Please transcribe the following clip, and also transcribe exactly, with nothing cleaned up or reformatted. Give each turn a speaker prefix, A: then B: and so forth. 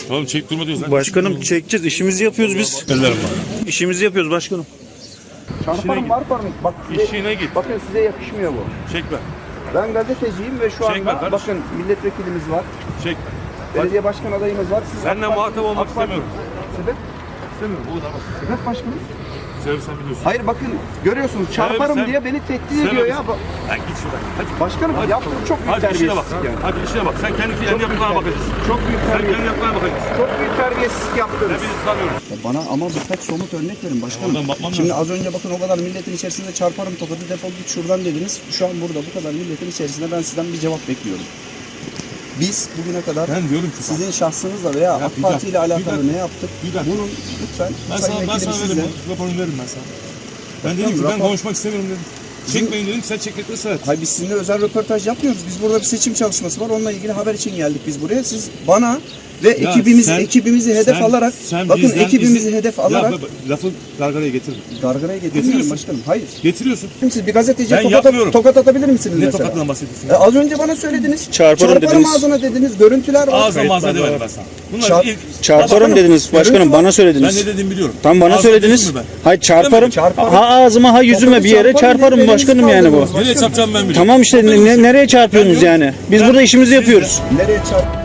A: Oğlum çek durma diyoruz.
B: Başkanım çekeceğiz. İşimizi yapıyoruz biz.
A: Ellerim var.
B: İşimizi yapıyoruz başkanım.
C: Çarparım var parmak. Bak size,
A: İşine git.
C: bakın size yakışmıyor bu.
A: Çekme.
C: Ben gazeteciyim ve şu
A: Çekme
C: anda
A: kardeşim.
C: bakın milletvekilimiz var.
A: Çekme.
C: Belediye başkan adayımız var. Siz
A: Seninle
C: AK Parti-
A: muhatap olmak
C: AK Parti-
A: istemiyorum.
C: Sebep?
A: İstemiyorum. Bu kadar bak.
C: Sebep başkanım.
A: Sebebi sen biliyorsun.
C: Hayır bakın görüyorsunuz çarparım
A: sen-
C: diye beni tehdit
A: Sebebi
C: ediyor ya.
A: sen-
C: Ba-
A: Lan git şuradan. Hadi.
C: Başkanım
A: Hadi.
C: yaptığım çok büyük
A: Hadi işine bak.
C: terbiyesizlik yani.
A: Hadi işine bak. Sen kendi kendi yaptıklarına bakacaksın.
C: Çok büyük
A: Sen kendi
C: terbiyesizlik.
A: yaptıklarına bakacaksın.
C: Çok büyük terbiyesizlik yaptınız.
A: Ben bizi tanıyoruz.
C: Bana ama birkaç somut örnek verin başkanım.
A: Oradan bakmam
C: Şimdi
A: lazım.
C: az önce bakın o kadar milletin içerisinde çarparım tokadı defol git şuradan dediniz. Şu an burada bu kadar milletin içerisinde ben sizden bir cevap bekliyorum. Biz bugüne kadar
A: Ben diyorum ki
C: sizin şahsınızla veya AK
A: bir
C: Parti ile
A: dakika, bir
C: alakalı
A: dakika.
C: ne yaptık?
A: Bir dakika.
C: Bunun lütfen
A: Ben
C: Sayın
A: sana, ben
C: Vekilim
A: sana
C: sizle.
A: veririm. Raporunu veririm ben sana. Ben dedim ki ben
C: rapor-
A: konuşmak istemiyorum dedim. Çekmeyin dedim, sen çekmekle ısrar et.
C: Hayır biz sizinle özel röportaj yapmıyoruz. Biz burada bir seçim çalışması var. Onunla ilgili haber için geldik biz buraya. Siz bana ve
A: Ya
C: ekibimiz
A: sen-
C: ekibimizi hedef
A: sen-
C: alarak
A: sen
C: bakın
A: bizden
C: ekibimizi
A: izin-
C: hedef
A: Ya
C: alarak
A: bak, lafı gargaraya getirme.
C: gargaraya getirmiyorum
A: Getiriyorsun.
C: başkanım. Hayır.
A: Getiriyorsun.
C: Siz bir gazeteciye
A: Ben
C: tokat,
A: yapmıyorum.
C: tokat atabilir misiniz
A: Ne
C: mesela?
A: tokatından bahsediyorsun?
C: E, az önce bana söylediniz.
B: Çarparım dediniz.
C: ağzına dediniz. Görüntüler var.
A: Ağzına mağaza demedim ben sana. Bunlar
C: Çar-
A: ilk...
B: Çarparım dediniz başkanım, bana
A: Ben
B: söylediniz.
A: ne dediğimi biliyorum.
B: Tam bana
A: Ağzına
B: söylediniz.
A: dedim mi
B: Hayır çarparım.
C: Çarparım.
B: Ha ağzıma ha yüzüme bir yere
C: Çarparım
B: çarparım
C: diye
B: başkanım
C: elinizi
B: yani bu.
C: kaldırdınız.
A: ben? Nereye çarpacağım ben biliyorum.
B: Tamam işte ne- nereye çarpıyorsunuz
A: Ben diyorum-
B: yani? Biz burada işimizi yapıyoruz.
C: Nereye çarp?